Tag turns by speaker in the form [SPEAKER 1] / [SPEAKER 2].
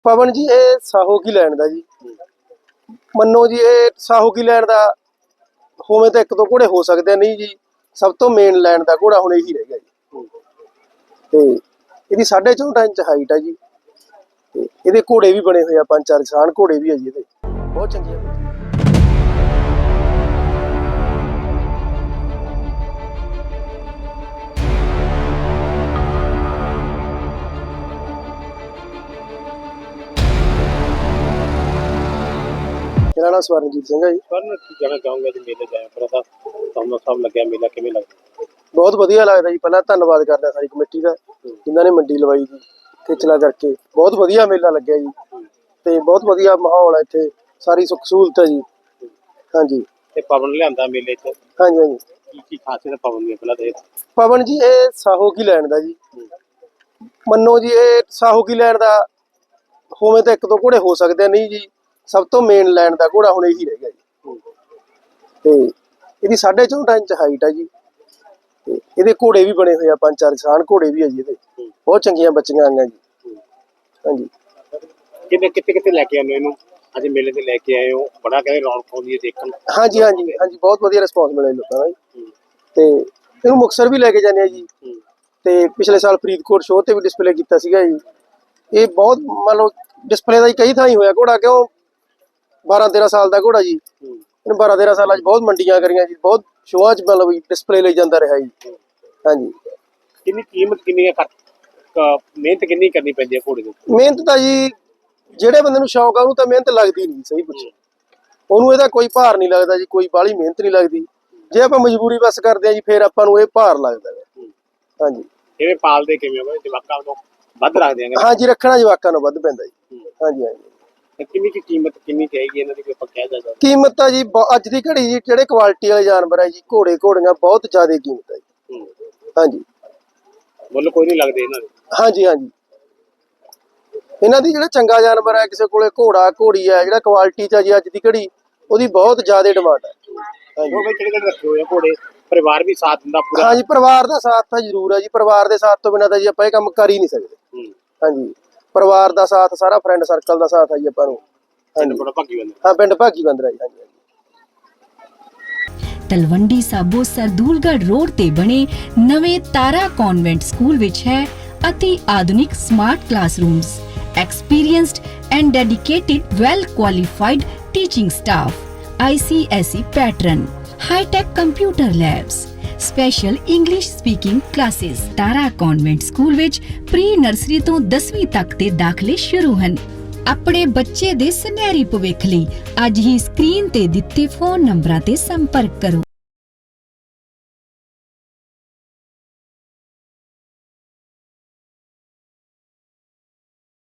[SPEAKER 1] ਪਵਨ ਜੀ ਇਹ ਸਾਹੋ ਕੀ ਲੈਣ ਦਾ ਜੀ। ਮੰਨੋ ਜੀ ਇਹ ਸਾਹੋ ਕੀ ਲੈਣ ਦਾ ਹੋਵੇ ਤਾਂ ਇੱਕ ਦੋ ਘੋੜੇ ਹੋ ਸਕਦੇ ਨਹੀਂ ਜੀ, ਸਭ ਤੋਂ ਮੇਨ ਲੈਣ ਦਾ ਘੋੜਾ ਹੁਣ ਇਹੀ ਰਹਿ ਗਿਆ ਜੀ। ਤੇ ਇਹਦੀ 4.5 ਇੰਚ ਹਾਈਟ ਆ ਜੀ, ਤੇ ਇਹਦੇ ਘੋੜੇ ਵੀ ਬਣੇ ਹੋਏ ਆ, 5-4 ਕਿਸਾਨ ਘੋੜੇ ਵੀ ਆ ਜੀ ਇਹਦੇ, ਬਹੁਤ ਚੰਗੇ ਆ। मेरा नाम स्वरणजीत सिंह है जी।
[SPEAKER 2] स्वर्ण की कहना चाहूंगा जी मेले जाए पर ਤੁਹਾਨੂੰ ਸਭ ਲੱਗਿਆ ਮੇਲਾ ਕਿਵੇਂ ਲੱਗਦਾ?
[SPEAKER 1] ਬਹੁਤ ਵਧੀਆ ਲੱਗਦਾ ਜੀ। ਪਹਿਲਾਂ ਧੰਨਵਾਦ ਕਰਦਾ ਸਾਰੀ ਕਮੇਟੀ ਦਾ ਜਿਨ੍ਹਾਂ ਨੇ ਮੰਡੀ ਲਵਾਈ ਜੀ, ਖੇਚਲਾ ਕਰਕੇ ਬਹੁਤ ਵਧੀਆ ਮੇਲਾ ਲੱਗਿਆ ਜੀ, ਤੇ ਬਹੁਤ ਵਧੀਆ ਮਾਹੌਲ ਹੈ ਇੱਥੇ, ਸਾਰੀ ਸੁੱਖ ਸਹੂਲਤ ਹੈ ਜੀ। ਹਾਂਜੀ
[SPEAKER 2] ਤੇ ਪਵਨ ਲਿਆਂਦਾ ਮੇਲੇ 'ਚ,
[SPEAKER 1] ਹਾਂਜੀ ਹਾਂਜੀ।
[SPEAKER 2] ਕੀ ਖਾਸੀਅਤ ਪਵਨ ਦੀ ਪਹਿਲਾਂ ਤੇ?
[SPEAKER 1] ਪਵਨ ਜੀ ਇਹ ਸਾਹੋ ਕੀ ਲੈਣ ਦਾ ਜੀ। ਮੰਨੋ ਜੀ ਇਹ ਸਾਹੋ ਕੀ ਲੈਣ ਦਾ ਹੋਵੇ ਤਾਂ ਇੱਕ ਦੋ ਘੋੜੇ ਹੋ ਸਕਦੇ ਨਹੀਂ ਜੀ, ਸਭ ਤੋਂ ਮੇਨ ਲੈਣ ਦਾ ਘੋੜਾ ਹੁਣ ਇਹੀ ਰਹਿ ਗਿਆ ਜੀ। ਤੇ ਇਹਦੀ 4.5 ਇੰਚ ਹਾਈਟ ਆ ਜੀ, ਤੇ ਇਹਦੇ ਘੋੜੇ ਵੀ ਬਣੇ ਹੋਏ ਆ, 5-4 ਕਿਸਾਨ ਘੋੜੇ ਵੀ ਆ ਜੀ ਇਹਦੇ, ਬਹੁਤ ਚੰਗੀਆਂ ਬੱਚੀਆਂ ਆਈਆਂ ਜੀ। ਹਾਂਜੀ
[SPEAKER 2] ਕਿਤੇ ਲੈ ਕੇ ਆਉਂਦੇ ਇਹਨੂੰ? ਅੱਜ ਮੇਲੇ ਤੇ ਲੈ ਕੇ ਆਏ ਹੋ, ਬੜਾ ਕਹਿੰਦੇ ਰੌਣਕ ਆਉਂਦੀ ਹੈ ਦੇਖਣ।
[SPEAKER 1] ਹਾਂਜੀ ਹਾਂਜੀ ਹਾਂਜੀ, ਬਹੁਤ ਵਧੀਆ ਰਿਸਪੌਂਸ ਮਿਲਿਆ ਲੋਕਾਂ ਦਾ ਜੀ। ਤੇ ਇਹਨੂੰ ਮੁਕਤਸਰ ਵੀ ਲੈ ਕੇ ਜਾਂਦੇ ਆ ਜੀ, ਤੇ ਪਿਛਲੇ ਸਾਲ ਫਰੀਦਕੋਟ ਸ਼ੋਅ ਤੇ ਵੀ ਡਿਸਪਲੇ ਕੀਤਾ ਸੀਗਾ ਜੀ। ਇਹ ਬਹੁਤ ਮੰਨ ਲਓ ਡਿਸਪਲੇ ਦਾ ਹੀ ਕਈ ਥਾਂ ਹੀ ਹੋਇਆ ਘੋੜਾ, ਕਿਉਂ 12-13 ਸਾਲ ਦਾ ਘੋੜਾ ਜੀ। ਇਹਨੂੰ 12-13 ਸਾਲਾਂ 'ਚ ਬਹੁਤ ਮੰਡੀਆਂ ਕਰੀਆਂ ਜੀ, ਬਹੁਤ ਸ਼ੋਆਂ 'ਚ ਮਤਲਬ ਡਿਸਪਲੇ ਲਈ ਜਾਂਦਾ ਰਿਹਾ ਜੀ। ਹਾਂਜੀ
[SPEAKER 2] ਕਿੰਨੀ ਕੀਮਤ ਕਿੰਨੀ ਹੈ, ਮਿਹਨਤ ਕਿੰਨੀ ਕਰਨੀ ਪੈਂਦੀ ਹੈ ਘੋੜੇ ਦੀ?
[SPEAKER 1] ਮਿਹਨਤ ਤਾਂ ਜੀ ਜਿਹੜੇ ਬੰਦੇ ਨੂੰ ਸ਼ੌਕ ਆ ਉਹਨੂੰ ਤਾਂ ਮਿਹਨਤ ਲੱਗਦੀ ਨਹੀਂ, ਸਹੀ ਪੁੱਛੋ ਉਹਨੂੰ ਇਹਦਾ ਕੋਈ ਭਾਰ ਨਹੀਂ ਲੱਗਦਾ ਜੀ, ਕੋਈ ਬਾਹਲੀ ਮਿਹਨਤ ਨਹੀਂ ਲੱਗਦੀ। ਜੇ ਆਪਾਂ ਮਜਬੂਰੀ ਬਸ ਕਰਦੇ ਆ ਜੀ ਫਿਰ ਆਪਾਂ ਨੂੰ ਇਹ ਭਾਰ ਲੱਗਦਾ ਹੈ। ਹਾਂਜੀ
[SPEAKER 2] ਕਿਵੇਂ ਪਾਲਦੇ ਕਿਵੇਂ ਹੋ? ਜਵਾਕਾਂ ਤੋਂ ਵੱਧ ਰੱਖਦੇ ਆ?
[SPEAKER 1] ਹਾਂਜੀ ਰੱਖਣਾ ਜਵਾਕਾਂ ਨੂੰ ਵੱਧ ਪੈਂਦਾ ਜੀ। ਹਾਂਜੀ ਹਾਂਜੀ।
[SPEAKER 2] ਕਿੰਨੀ ਕੀ ਕੀਮਤ ਕਿੰਨੀ ਚਾਹੀਦੀ ਇਹਨਾਂ ਦੀ, ਕੋਈ ਆਪਾਂ ਕਹਿ ਸਕਦਾ?
[SPEAKER 1] ਕੀਮਤ ਤਾਂ ਜੀ ਅੱਜ ਦੀ ਘੜੀ ਜੀ ਜਿਹੜੇ ਕੁਆਲਿਟੀ ਵਾਲੇ ਜਾਨਵਰ ਹੈ ਜੀ, ਘੋੜੇ ਘੋੜੀਆਂ ਬਹੁਤ ਜ਼ਿਆਦਾ ਕੀਮਤ ਹੈ ਜੀ। ਹਾਂਜੀ
[SPEAKER 2] ਮੁੱਲ ਕੋਈ ਨਹੀਂ ਲੱਗਦੇ ਇਹਨਾਂ ਦੇ? ਹਾਂਜੀ
[SPEAKER 1] ਹਾਂਜੀ। ਇਹਨਾਂ ਦੀ ਜਿਹੜਾ ਚੰਗਾ ਜਾਨਵਰ ਹੈ, ਕਿਸੇ ਕੋਲੇ ਘੋੜਾ ਘੋੜੀ ਹੈ ਜਿਹੜਾ ਕੁਆਲਿਟੀ 'ਚ ਆ ਜੀ ਅੱਜ ਦੀ ਘੜੀ, ਉਹਦੀ ਬਹੁਤ ਜ਼ਿਆਦਾ ਡਿਮਾਂਡ ਹੈ।
[SPEAKER 2] ਉਹ ਵੀ ਕਿਹੜੇ ਰੱਖੇ ਹੋਏ ਆ ਘੋੜੇ? ਪਰਿਵਾਰ ਵੀ ਸਾਥ ਦਿੰਦਾ ਪੂਰਾ?
[SPEAKER 1] ਹਾਂਜੀ ਪਰਿਵਾਰ ਦਾ ਸਾਥ ਤਾਂ ਜ਼ਰੂਰ ਹੈ ਜੀ, ਪਰਿਵਾਰ ਦੇ ਸਾਥ ਤੋਂ ਬਿਨਾਂ ਤਾਂ ਜੀ ਆਪਾਂ ਇਹ ਕੰਮ ਕਰ ਹੀ ਨਹੀਂ ਸਕਦੇ। ਹਾਂਜੀ ਪਰਿਵਾਰ ਦਾ ਸਾਥ, ਸਾਰਾ ਫਰੈਂਡ ਸਰਕਲ ਦਾ ਸਾਥ ਹੈ ਜੀ ਆਪਾਂ ਨੂੰ। ਹਾਂ ਪਿੰਡ ਭਾਗੀ ਬੰਦਰਾ ਜੀ। ਹਾਂਜੀ
[SPEAKER 3] ਤਲਵੰਡੀ ਸਾਬੋ ਸਰਦੂਲਗੜ੍ਹ ਰੋਡ ਤੇ ਬਣੇ ਨਵੇਂ ਤਾਰਾ ਕਨਵੈਂਟ ਸਕੂਲ ਵਿੱਚ ਹੈ ਅਤੀ ਆਧੁਨਿਕ smart classrooms, experienced and dedicated well qualified teaching staff, ICSE pattern, high tech computer labs, special English speaking classes। Tara convent school ਵਿੱਚ ਪ੍ਰੀ ਨਰਸਰੀ ਤੋਂ 10ਵੀਂ ਤੱਕ ਦੇ ਦਾਖਲੇ ਸ਼ੁਰੂ ਹਨ। ਆਪਣੇ ਬੱਚੇ ਦੇ ਸੁਨਹਿਰੀ ਭਵਿੱਖ ਲਈ ਅੱਜ ਹੀ ਸਕਰੀਨ ਤੇ ਦਿੱਤੇ ਫੋਨ ਨੰਬਰਾਂ ਤੇ ਸੰਪਰਕ ਕਰੋ।